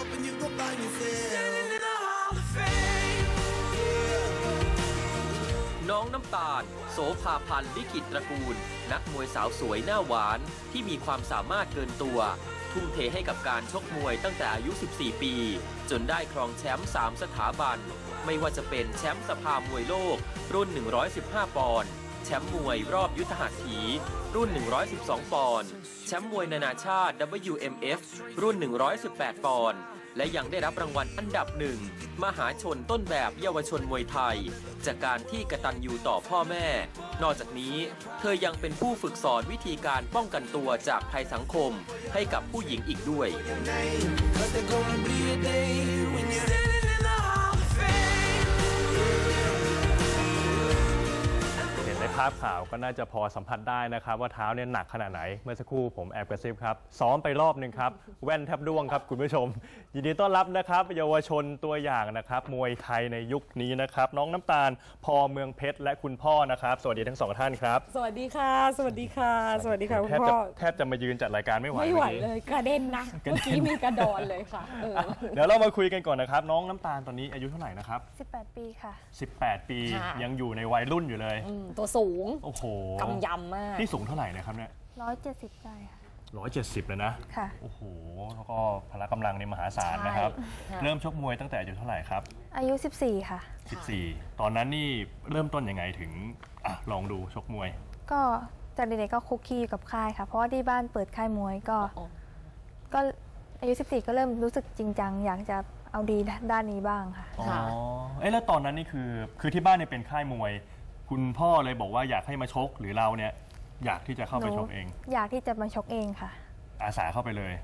น้องน้ำตาลโสภาพันธ์ลิขิตตระกูลนักมวยสาวสวยหน้าหวานที่มีความสามารถเกินตัวทุ่มเทให้กับการชกมวยตั้งแต่อายุ 14 ปีจนได้ครองแชมป์ 3 สถาบันไม่ว่าจะเป็นแชมป์สภามวยโลกรุ่น 115 ปอนด์แชมป์มวยรอบยุทธหัตถีรุ่น 112 ปอนด์แชมป์มวยนานาชาติ WMF รุ่น 118 ปอนด์และยังได้รับรางวัลอันดับหนึ่งมหาชนต้นแบบเยาวชนมวยไทยจากการที่กตัญญูต่อพ่อแม่นอกจากนี้เธอยังเป็นผู้ฝึกสอนวิธีการป้องกันตัวจากภัยสังคมให้กับผู้หญิงอีกด้วยในภาพข่าวก็น่าจะพอสัมผัสได้นะครับว่าเท้าเนี่ยหนักขนาดไหนเมื่อสักครู่ผมแอบกระซิบครับซ้อมไปรอบหนึ่งครับแว่นแทบร่วงครับคุณผู้ชมยินดีต้อนรับนะครับเยาวชนตัวอย่างนะครับมวยไทยในยุคนี้นะครับน้องน้ำตาลพอเมืองเพชรและคุณพ่อนะครับสวัสดีทั้งสองท่านครับสวัสดีค่ะสวัสดีค่ะสวัสดีค่ะคุณพ่อแทบจะมายืนจัดรายการไม่ไหวเลยกระเด็นนะเมื่อกี้มีกระดอนเลยค่ะเดี๋ยวเรามาคุยกันก่อนนะครับน้องน้ำตาลตอนนี้อายุเท่าไหร่นะครับ 18 ปีค่ะ 18 ปียังอยู่ในวัยรุ่นอยู่เลยตัวสูงโอ้โหกำยำมากที่สูงเท่าไหร่นะครับเนี่ย 170ได้ค่ะ 170เลยนะค่ะโอ้โหแล้วก็พละกำลังในมหาศาลนะครับเริ่มชกมวยตั้งแต่อายุเท่าไหร่ครับอายุ14ค่ะ 14ตอนนั้นนี่เริ่มต้นยังไงถึงลองดูชกมวยก็จากเด็กๆก็คุกคีกับค่ายค่ะเพราะว่าที่บ้านเปิดค่ายมวยก็อายุ14ก็เริ่มรู้สึกจริงจังอยากจะเอาดีด้านนี้บ้างค่ะอ๋อแล้วตอนนั้นนี่คือที่บ้านเนี่ยเป็นค่ายมวยคุณพ่อเลยบอกว่าอยากให้มาชกหรือเราเนี่ยอยากที่จะเข้าไปชกเองอยากที่จะมาชกเองค่ะอาสาเข้าไปเลย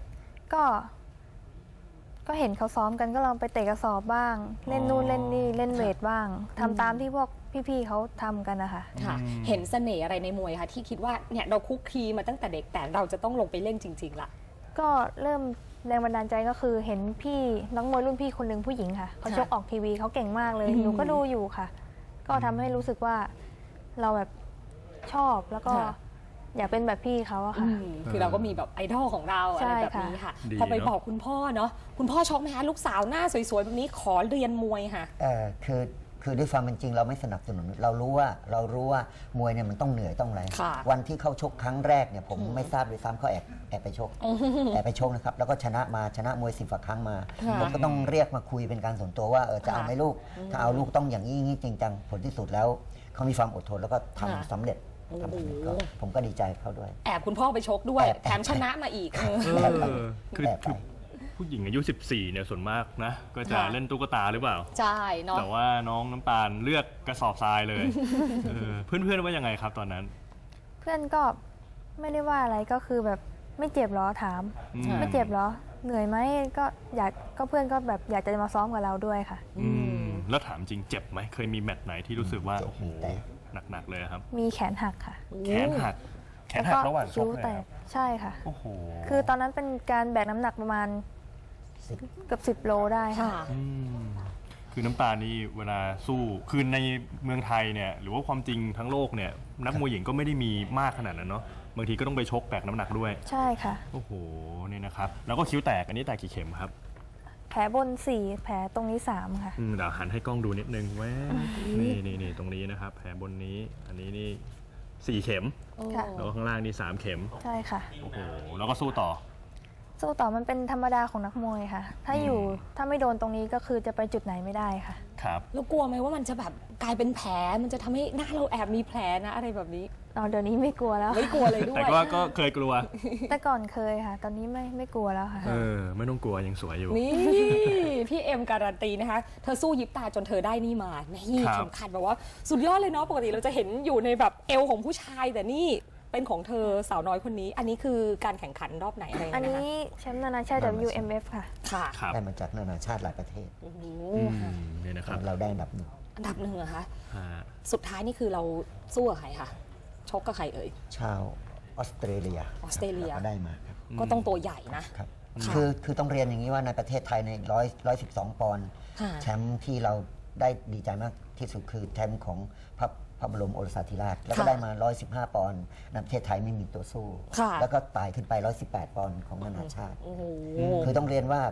ก็เห็นเขาซ้อมกันก็ลองไปเตะกระสอบบ้างเล่นนู่นเล่นนี่เล่นเวทบ้างทำตามที่พวกพี่ๆเขาทำกันนะคะเห็นเสน่ห์อะไรในมวยคะที่คิดว่าเนี่ยเราคุกคีมาตั้งแต่เด็กแต่เราจะต้องลงไปเล่นจริงๆล่ะก็เริ่มแรงบันดาลใจก็คือเห็นพี่นักมวยรุ่นพี่คนหนึ่งผู้หญิงค่ะเขาชกออกทีวีเขาเก่งมากเลยหนูก็ดูอยู่ค่ะก็ทำให้รู้สึกว่าเราแบบชอบแล้วก็อยากเป็นแบบพี่เขาอะค่ะคือเราก็มีแบบไอดอลของเราอะไรแบบนี้ค่ะพอไปบอกคุณพ่อเนาะคุณพ่อชกไหมคะลูกสาวหน้าสวยๆแบบนี้ขอเรียนมวยค่ะคือด้วยความเป็นจริงเราไม่สนับสนุนเรารู้ว่ามวยเนี่ยมันต้องเหนื่อยต้องอะไรวันที่เข้าชกครั้งแรกเนี่ยผมไม่ทราบเลยซ้ำเขาแอบไปชกนะครับแล้วก็ชนะมวย10 กว่าครั้งมาผมก็ต้องเรียกมาคุยเป็นการส่วนตัวว่าจะเอาไหมลูกถ้าเอาลูกต้องอย่างนี้จริงจังผลที่สุดแล้วเขามีความอดทนแล้วก็ทำสำเร็จผมก็ดีใจเขาด้วยแอบคุณพ่อไปชกด้วยแถมชนะมาอีกคือผู้หญิงอายุ14เนี่ยส่วนมากนะก็จะเล่นตุ๊กตาหรือเปล่าใช่เนาะแต่ว่าน้องน้ำตาลเลือกกระสอบทรายเลยเพื่อนว่ายังไงครับตอนนั้นเพื่อนก็ไม่ได้ว่าอะไรก็คือแบบไม่เจ็บหรอถามไม่เจ็บหรอเหนื่อยไหมก็เพื่อนก็แบบอยากจะมาซ้อมกับเราด้วยค่ะแล้วถามจริงเจ็บไหมเคยมีแมตช์ไหนที่รู้สึกว่าโอ้โหหนักเลยครับมีแขนหักค่ะแขนหักระหว่างชกเลยใช่ค่ะโอ้โหคือตอนนั้นเป็นการแบกน้ำหนักประมาณเกือบ10 โลได้ค่ะคือน้ำตาลนี่เวลาสู้คือในเมืองไทยเนี่ยหรือว่าความจริงทั้งโลกเนี่ยนักมวยหญิงก็ไม่ได้มีมากขนาดนั้นเนาะบางทีก็ต้องไปชกแบกน้ำหนักด้วยใช่ค่ะโอ้โหนี่นะครับแล้วก็คิ้วแตกอันนี้แตกกี่เข็มครับแผลบน4แผลตรงนี้3ค่ะเดี๋ยวหันให้กล้องดูนิดนึงแว้นี่ตรงนี้นะครับแผลบนนี้อันนี้นี่4 เข็มแล้วข้างล่างนี่3 เข็มใช่ค่ะโอ้โหแล้วก็สู้ต่อมันเป็นธรรมดาของนักมวยค่ะถ้าไม่โดนตรงนี้ก็คือจะไปจุดไหนไม่ได้ค่ะครับแล้วกลัวไหมว่ามันจะแบบกลายเป็นแผลมันจะทำให้หน้าเราแอบมีแผลนะอะไรแบบนี้เดี๋ยวนี้ไม่กลัวแล้วไม่กลัวเลยด้วยแต่ก็เคยกลัวแต่ก่อนเคยค่ะตอนนี้ไม่กลัวแล้วค่ะไม่ต้องกลัวยังสวยอยู่นี่พี่เอ็มการันตีนะคะเธอสู้ยิบตาจนเธอได้นี่มานี่สำคัญแบบว่าสุดยอดเลยเนาะปกติเราจะเห็นอยู่ในแบบเอวของผู้ชายแต่นี่เป็นของเธอสาวน้อยคนนี้อันนี้คือการแข่งขันรอบไหนอะไรนะคะอันนี้แชมป์นานาชาติ WMF ค่ะได้มาจากนานาชาติหลายประเทศนี่นะครับเราได้อันดับ 1 เหรอคะสุดท้ายนี่คือเราสู้กับใครคะชกกับใครเอ่ยชาวออสเตรเลียก็ได้มาครับก็ต้องตัวใหญ่นะครับคือต้องเรียนอย่างนี้ว่าในประเทศไทยใน112 ปอนด์แชมป์ที่เราได้ดีใจมากที่สุดคือแชมป์ของพระบรมโอรสาธิราชแล้วก็ได้มา115 ปอนด์ในประเทศไทยไม่มีตัวสู้แล้วก็ไต่ขึ้นไป118 ปอนด์ของนานาชาติคือต้องเรียนว่า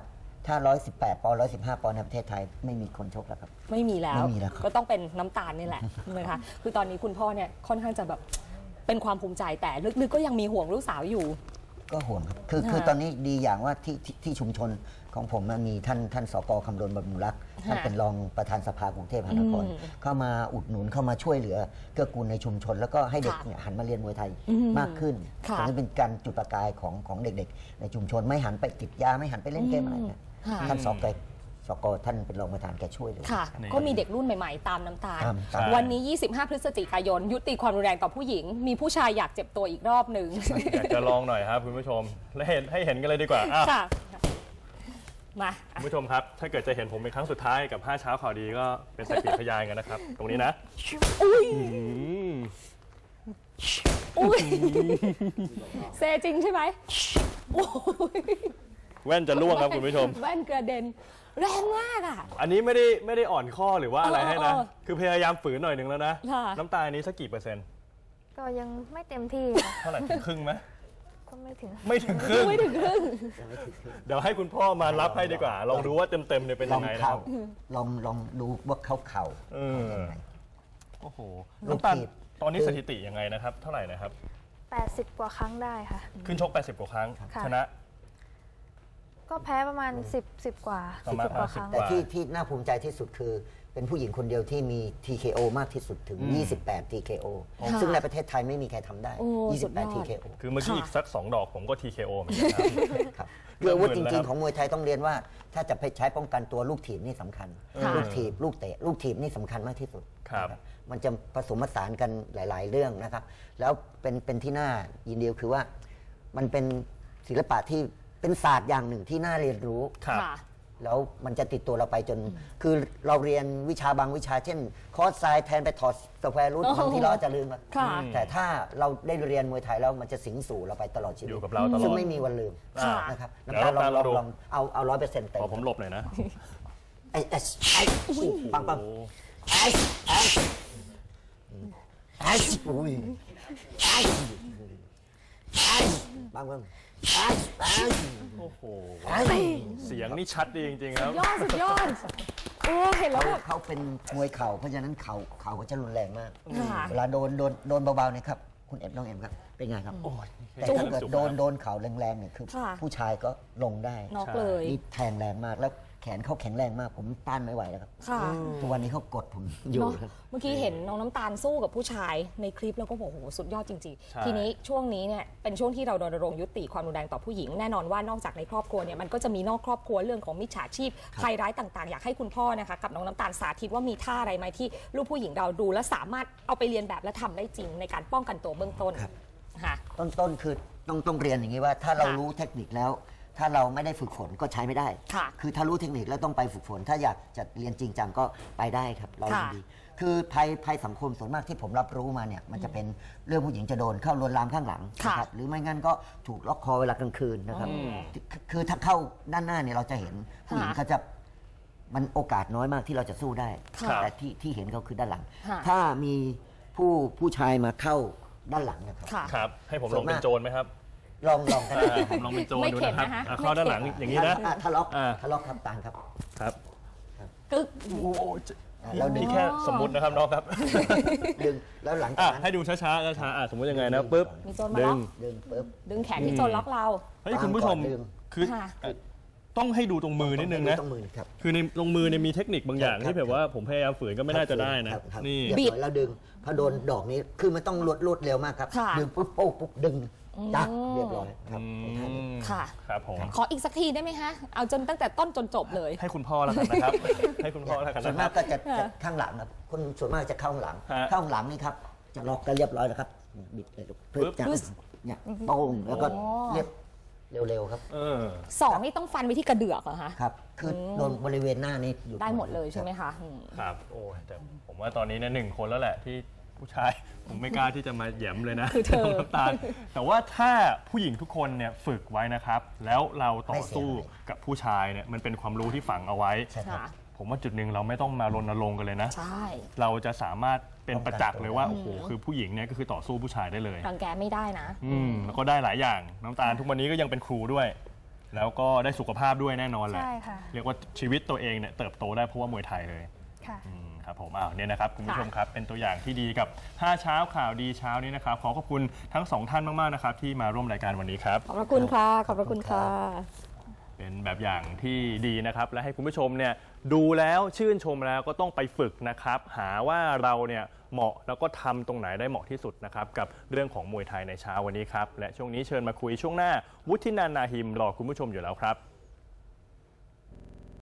ถ้า118 ปอนด์115 ปอนด์ในประเทศไทยไม่มีคนชกแล้วครับไม่มีแล้วไม่มีแล้วครับก็ต้องเป็นน้ำตาลนี่แหละ นะคะคือตอนนี้คุณพ่อเนี่ยค่อนข้างจะแบบเป็นความภูมิใจแต่ลึกๆก็ยังมีห่วงลูกสาวอยู่ก็ห่วงครับคือตอนนี้ดีอย่างว่าที่ชุมชนของผมมันมีท่านสก.คำรณบำรุงรักษ์ท่านเป็นรองประธานสภากรุงเทพมหานครเข้ามาอุดหนุนเข้ามาช่วยเหลือเกื้อกูลในชุมชน แล้วก็ให้เด็กเนี่ยหันมาเรียนมวยไทยมากขึ้นตรงนี้เป็นการจุดประกายของเด็กๆในชุมชนไม่หันไปติดยาไม่หันไปเล่นเกมอะไรเนี่ยท่านสก.ท่านเป็นรองประธานแกช่วยเลยค่ะ ก็มีเด็กรุ่นใหม่ๆ ตามน้ำตาลตามวันนี้ 25 พฤศจิกายน ยุติความรุนแรงต่อผู้หญิง มีผู้ชายอยากเจ็บตัวอีกรอบหนึ่งอยากจะลองหน่อยครับคุณผู้ชมและให้เห็นกันเลยดีกว่าอ่ะค่ะ มาคุณผู้ชมครับ ถ้าเกิดจะเห็นผมเป็นครั้งสุดท้ายกับ5เช้าข่าวดีก็เป็นสักขีพยานกันนะครับ ตรงนี้นะอุ้ยอืมอุ้ยเซจริงใช่ไหมโอ้ยแว่นจะล่วงครับคุณผู้ชมแว่นกระเด็น แรงมากอ่ะอันนี้ไม่ได้อ่อนข้อหรือว่าอะไรให้นะ คือพยายามฝืนหน่อยหนึ่งแล้วนะค่ะน้ำตาลนี้สักกี่เปอร์เซ็นต์ก็ยังไม่เต็มที่ค่ะเท่าไหร่ถึงครึ่งไหมก็ไม่ถึงไม่ถึงครึ่งไม่ถึงครึ่งเดี๋ยวให้คุณพ่อมารับให้ดีกว่า ลองดูว่าเต็มเนี่ยเป็นลยัองงไงนะคเข่ารับลองดูว่าเข่าเออเป็นยังไงโอ้โหลูกน้ำตาลถีบตอนนี้สถิติยังไงนะครับ เท่าไหร่นะครับ 80 กว่าครั้งได้ค่ะขึ้นชก80 กว่าครั้งค่ะชนะก็แพ้ประมาณ 10 กว่าประมาณ 10 กว่าครั้ง 10 แต่ที่น่าภูมิใจที่สุดคือเป็นผู้หญิงคนเดียวที่มี TKO มากที่สุดถึง 28 TKO ค่ะซึ่งในประเทศไทยไม่มีใครทำได้โอ้สุดยอด 28 TKO คือเมื่อกี้อีกสัก2 ดอกผมก็ TKO เหมือนกันครับครับคืออาวุธจหมื่นแล้วริครังบๆ ของมวยไทยต้องเรียนว่า ถ้าจะไปใช้ป้องกันตัวลูกถีบนี่สำคัญค่ะลูกถีบลูกเตะลูกถีบนี่สำคัญมากที่สุดครับนะมันจะผสมผสานกันหลาย ๆ เรื่องนะครับ แล้วเป็นที่น่ายินดีคือว่ามันเป็นศิลปะที่เป็นศาสตร์อย่างหนึ่งที่น่าเรียนรู้ครับค่ะแล้วมันจะติดตัวเราไปจน คือเราเรียนวิชาบางวิชาเช่น คอร์สไซน์แทนไปถอดสแควร์รูทโอ้โหบางที่เราอาจจะลืมอะค่ะแต่ถ้าเราได้เรียนมวยไทยแล้วมันจะสิงสู่เราไปตลอดชีวิตอยู่กับเราตลอดซึ่งไม่มีวันลืมค่ะนะครับเดี๋น้ำยวตาลเราดูลองเอา100%เต็มขอผมหลบหน่อยนะไอ้ปังปังโอ้ไอ้อุ้ยไอ้ปังปังไอ้โอ้โหไอ้เสียงนี่ชัดดีจริงๆครับยอดสุดยอด โอ้เห็นแล้วแบบเขาเป็นมวยเข่าเพราะฉะนั้นเข่าเขาจะรุนแรงมากค่ะเวลาโดนเบาๆเนี่ยครับคุณน้องเอ็มครับเป็นไงครับโอ้ยแต่ถ้าเกิดโดนเข่าแรงๆเนี่ยคือค่ะผู้ชายก็ลงได้น็อกเลยนี่แทงแรงมากแล้วแขนเขาแข็งแรงมาก ผมต้านไม่ไหวแล้วครับค่ะทุกวันนี้เขากดผมอยู่เนาะครับเมื่อกี้เห็นน้องน้ำตาลสู้กับผู้ชายในคลิปแล้วก็บอกโอ้โหสุดยอดจริงใช่ๆ ทีนี้ช่วงนี้เนี่ยเป็นช่วงที่เรารณรงค์ยุติความรุนแรงต่อผู้หญิงแน่นอนว่านอกจากในครอบครัวเนี่ยมันก็จะมีนอกครอบครัวเรื่องของมิจฉาชีพภัยร้ายต่างๆ อยากให้คุณพ่อนะคะกับน้องน้ำตาลสาธิตว่ามีท่าอะไรไหมที่ลูกผู้หญิงเราดูและสามารถเอาไปเรียนแบบและทำได้จริงในการป้องกันตัวเบื้องต้นครับค่ะต้นคือต้องเรียนอย่างนี้ว่า ถ้าเราค่ะรู้เทคนิคแล้ว ถ้าเราไม่ได้ฝึกฝนก็ใช้ไม่ได้ค่ะคือถ้ารู้เทคนิคแล้วต้องไปฝึกฝน ถ้าอยากจะเรียนจริงจังก็ไปได้ครับ เรายินค่ะดี คือภัยสังคมส่วนมากที่ผมรับรู้มาเนี่ยมันจะเป็นเรื่องผู้หญิงจะโดนเข้าลวนลามข้างหลังค่ะนะครับหรือไม่งั้นก็ถูกล็อกคอเวลากลางคืนนะครับคือถ้าเข้าด้านหน้าเนี่ยเราจะเห็นผู้หญิงค่ะเขาจะมันโอกาสน้อยมากที่เราจะสู้ได้ค่ะแต่ที่เห็นเขาคือด้านหลังค่ะถ้ามีผู้ชายมาเข้าด้านหลังนะครับค่ะครับ ให้ผมลองเป็นโจรไหมครับลองกันผมลองเป็นโจรไม่ดูเข็ดนะครับนะคะเข้าด้านหลังไม่เข็ดอย่างนี้นะทะเลาะอ่าทะเลาะครับต่างครับครับกึกแล้วดึนี่งแค่สมมุตินะครับน้องครับดึงแล้วหลังจาอ่ะกนั้นให้ดูช้าๆช้าๆสมมติยังไงนะปุ๊บมีโจรมาดึล็อกงดึงปุ๊บดึงแขนที่โจรล็อกเราเฮ้ยคุณผู้ชมตามก่อนดึงคือค่ะต้องให้ดูตรงมือนิดนึงนะต้องมือครับคือในตรงมือเนี่ยมีเทคนิคบางอย่างครับที่แบบว่าผมพยายามฝืนก็ไม่น่าจะได้นะครับครับนี่เรียบร้อยแล้วดึงพอโดนดอกนี้คือมันต้องรวดเร็วมากครับค่ะดึงปุ๊บโป๊ะปุ๊บดึงจักเรียบร้อยครับค่ะครับผมขออีกสักทีได้ไหมคะเอาจนตั้งแต่ต้นจนจบเลยให้คุณพ่อแล้วกันนะครับ ให้คุณพ่อแล้วกันส่วนนะคมารักบก็จะข้างหลังครับคนส่วนมากจะเข้าข้างหลังฮะเข้าข้างหลังนี่ครับจะล็อกกันเรียบร้อยแล้วครับบิดเลยลูกปึ๊บจับเนี่ยโป้งแล้วก็เรียบเร็วๆครับเออสองนี่ต้องฟันไปที่กระเดือกเหรอคะครับ คือโดนบริเวณหน้านี้อยู่ได้หมดเลยใช่ไหมคะอืมครับ โอ้ยแต่ผมว่าตอนนี้เนี่ย1 คนแล้วแหละที่ผู้ชาย ผมไม่กล้าที่จะมาแหย่มเลยนะคือเธอน้ำตาลแต่ว่าถ้าผู้หญิงทุกคนเนี่ยฝึกไว้นะครับ แล้วเราต่อสู้กับผู้ชายเนี่ยมันเป็นความรู้ที่ฝังเอาไว้ใช่ครับค่ะผมว่าจุดหนึ่งเราไม่ต้องมารณรงค์กันเลยนะใช่เราจะสามารถเป็นประจักษ์เลยว่าป้โอ้องโหกันตัวคือผู้หญิงเนี่ยก็คือต่อสู้ผู้ชายได้เลยรังแกไม่ได้นะแล้วก็ได้หลายอย่างน้ำตาลทุกวันนี้ก็ยังเป็นครูด้วยแล้วก็ได้สุขภาพด้วยแน่นอนแหละใช่ค่ะเรียกว่าชีวิตตัวเองเนี่ยเติบโตได้เพราะว่ามวยไทยเลยค่ะครับผมเนี่ยนะครับคุณผู้ชมครับเป็นตัวอย่างที่ดีกับ5เช้าข่าวดีเช้านี้นะครับขอขอบคุณทั้ง2ท่านมากๆนะครับที่มาร่วมรายการวันนี้ครับขอบพระคุณค่ะ ขอบพระคุณค่ะเป็นแบบอย่างที่ดีนะครับและให้คุณผู้ชมเนี่ยดูแล้วชื่นชมแล้วก็ต้องไปฝึกนะครับหาว่าเราเนี่ยเหมาะแล้วก็ทำตรงไหนได้เหมาะที่สุดนะครับกับเรื่องของมวยไทยในเช้าวันนี้ครับและช่วงนี้เชิญมาคุยช่วงหน้าวุฒินันท์ นาหิมรอคุณผู้ชมอยู่แล้วครับ